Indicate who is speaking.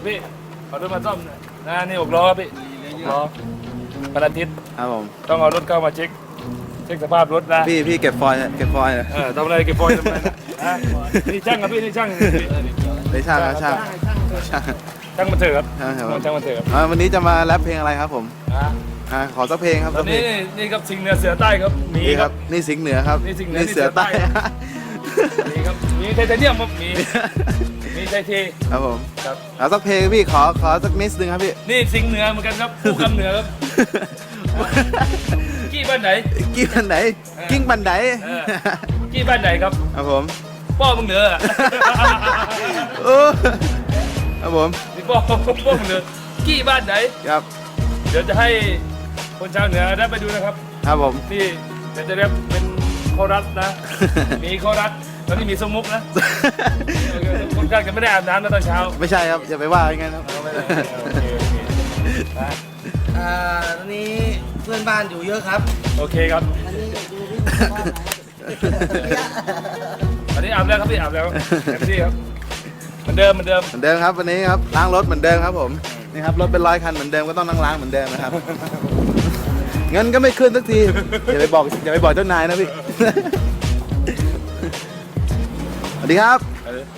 Speaker 1: พี่เอารถมาซ่อมนะนี่6 ล้อครับพี่6 ล้อวันอาทิตย์
Speaker 2: ครับผม
Speaker 1: ต้องเอารถเข้ามาเช็คสภาพรถนะ
Speaker 2: พี่เก็บฟอยล์นะ
Speaker 1: ทำอะไรเก็บฟอยล์ทำไมนะนี่ช่างครับพี่นี่ช่าง
Speaker 2: ได้ช่างครับช่าง
Speaker 1: ช่างมันเถอะครับ
Speaker 2: ช่างครับ
Speaker 1: ช่างมันเถอะครับ
Speaker 2: วันนี้จะมาแรปเพลงอะไรครับผม ขอสักเพลงครับ
Speaker 1: ตอนนี้นี่ครับสิงห์เหนือเสือใต้ครับมี
Speaker 2: นี่
Speaker 1: ค
Speaker 2: ค
Speaker 1: รั
Speaker 2: รับ บนี่สิงห์เหนือครับ
Speaker 1: นี่สิงห์เหนือ
Speaker 2: เสือใต้
Speaker 1: มีครับมีไทเทเนียมครับมีไทเท
Speaker 2: ครับผม
Speaker 1: ครับ
Speaker 2: เอาสักเพลงพี่ขอสักนิดนึงครับพี่
Speaker 1: นี่สิงห์เหนือเหมือนกันครับคู่คำเหนือครับกี้บ้านไหน
Speaker 2: กิ้งบันไหนกิ้งบันไหน
Speaker 1: กี้บ้านไหนครับ
Speaker 2: ครับผม
Speaker 1: ป้อมึงเหนือ
Speaker 2: โอ้ครับผม
Speaker 1: นี่ป้อมึงเหนือกี้บ้านไหน
Speaker 2: ครับ
Speaker 1: เดี๋ยวจะให้คนชาวเหนือได้ไปดูนะครับ
Speaker 2: ครับผม
Speaker 1: ที่เดี๋ยวจะเรียกเป็นคอรัสนะ มีคอรัสตอนนี้มีสมุกนะคนข้างจะไม่ได้อาบน้ำนะตอนเช้า
Speaker 2: ไม่ใช่ครับอย่าไปว่าอย่างนั้นครับ
Speaker 1: เอาไม่ได้โอเคนะ
Speaker 3: ตอนนี้เพื่อนบ้านอยู่เยอะครับ
Speaker 1: โอเคครับ
Speaker 3: อันนี้ดูพี่บ้านไหน
Speaker 1: อันนี้อาบแล้วครับพี่อาบแล้วเต็มที่ครับเหมือนเดิม
Speaker 2: เหมือนเดิมครับวันนี้ครับล้างรถเหมือนเดิมครับผมนี่ครับรถเป็น100 คันเหมือนเดิมก็ต้องนั่งล้างเหมือนเดิมนะครับ เงินก็ไม่ขึ้นสักทีอย่าไปบอกเจ้านายนะพี่ สวัสดีครับ